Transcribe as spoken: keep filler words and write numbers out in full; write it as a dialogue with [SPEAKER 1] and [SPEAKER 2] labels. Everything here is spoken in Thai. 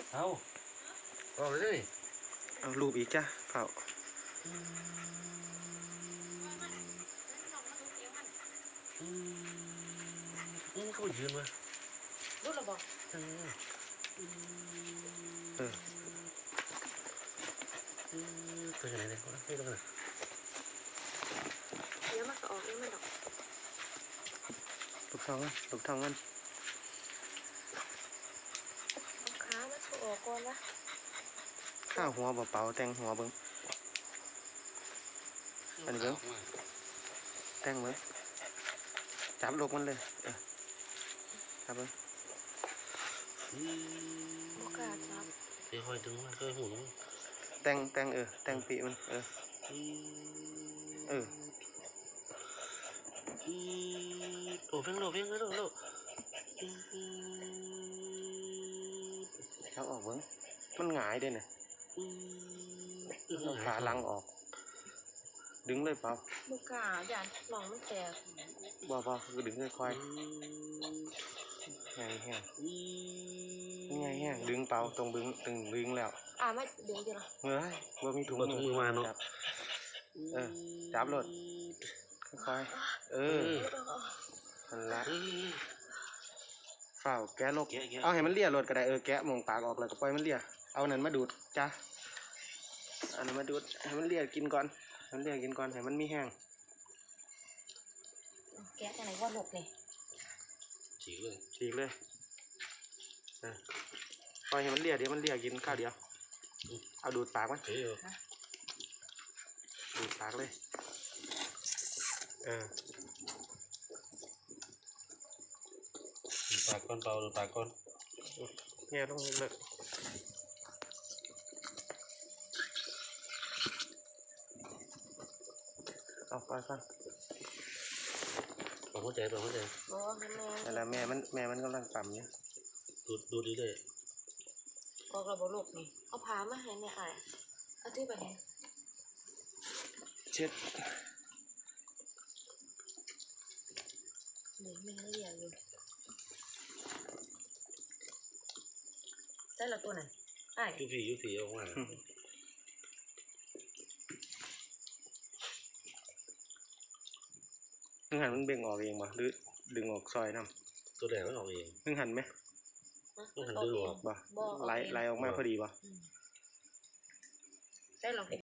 [SPEAKER 1] เอาออกเลยดิ
[SPEAKER 2] เอารูปอีกจ้ะเผา
[SPEAKER 1] อืมอืมเขายืนมารู้ระบอกเออเออตัวไหนเนี่ยให้ดูหน่อย
[SPEAKER 3] เดี๋ยวมันก็ออกเดี๋ยวมันออก
[SPEAKER 2] ลูกทองกันลูกทองกัน
[SPEAKER 3] เอาขามาถูออกก่อนนะ
[SPEAKER 2] ข้าวหัวเปล่าๆแต่งหัวเบิ้งอันนี้เบิ้งแต่งเบิ้งจับลูกมันเลยเออจับเบิ้ง
[SPEAKER 3] โอกาสจับ
[SPEAKER 1] ค่อยๆดึงมาค่อยๆหูมัน
[SPEAKER 2] แต่งแต่งเออแต่งปีมันเออเออ
[SPEAKER 1] โหลเพ่งโหลเพ่งโหลโหล
[SPEAKER 2] จับออกเบิ้งมันหงายด้วยเนี่ยเอาขาลังออกดึงเลยเปล่า
[SPEAKER 3] โอกาสอย่าหนองมันแตก
[SPEAKER 2] บ่บ่คือดึงค่อยๆไงแห้งไงแห้งดึงเปล่าตรงดึงตึงดึงแล้ว
[SPEAKER 3] อ่าไม่ดึงดีหรอ
[SPEAKER 2] เฮ้ยบ่มีถุงมือ
[SPEAKER 1] มาเนาะ
[SPEAKER 2] เออจับรถค่อยๆเออนั่นละฝ่าวแกะลกเอาให้มันเลี่ยรถก็ได้เออแกะมองปากออกแล้วก็ปล่อยมันเลี่ยเอานั้นมาดูดจ้ะอันนั้นมาดูดให้มันเลี่ยกินก่อนมันเลี่ยกินก่อนให้มันมีแห้ง
[SPEAKER 3] แกะอะไรว่าหลบเลย
[SPEAKER 1] ฉีกเลย
[SPEAKER 2] ฉีกเลยเออปล่อยให้มันเลี่ยเดี๋ยวมันเลี่ยกินข้าวเดียวเอาดูดปากมั้ยดูดปากเลยเออ
[SPEAKER 1] ปากก้อนเปล่าหรือปากก้อน
[SPEAKER 2] แง่ต้องเลิกเอาไปฟัง
[SPEAKER 1] ปากหัวใจปากหัวใจ
[SPEAKER 3] โอ้แม่
[SPEAKER 2] แต่ละแม่มันแม่มันกำลังปั๊มเนี่ย
[SPEAKER 1] ดูดูดีเลย
[SPEAKER 3] ออกระบบหลบนี่เอาพามาให้เนี่ยอ่ะเอาที่ไปเนี่ย
[SPEAKER 2] เช็ด
[SPEAKER 3] เดี๋ยวแม่ละเอียดอยู่ได้ละตัวไหนไอ้
[SPEAKER 1] ยุผียุผีออกมา
[SPEAKER 2] นึงหันมันเบ่งออกเองป่ะหรือดึงออกซอยน้
[SPEAKER 1] ำตัวแดงมันออกเอง
[SPEAKER 2] นึงหันไหม
[SPEAKER 1] นึงหันดึงออก
[SPEAKER 2] ป่ะไหลไหลออกมาพอดีป่ะ
[SPEAKER 3] ได้หรอ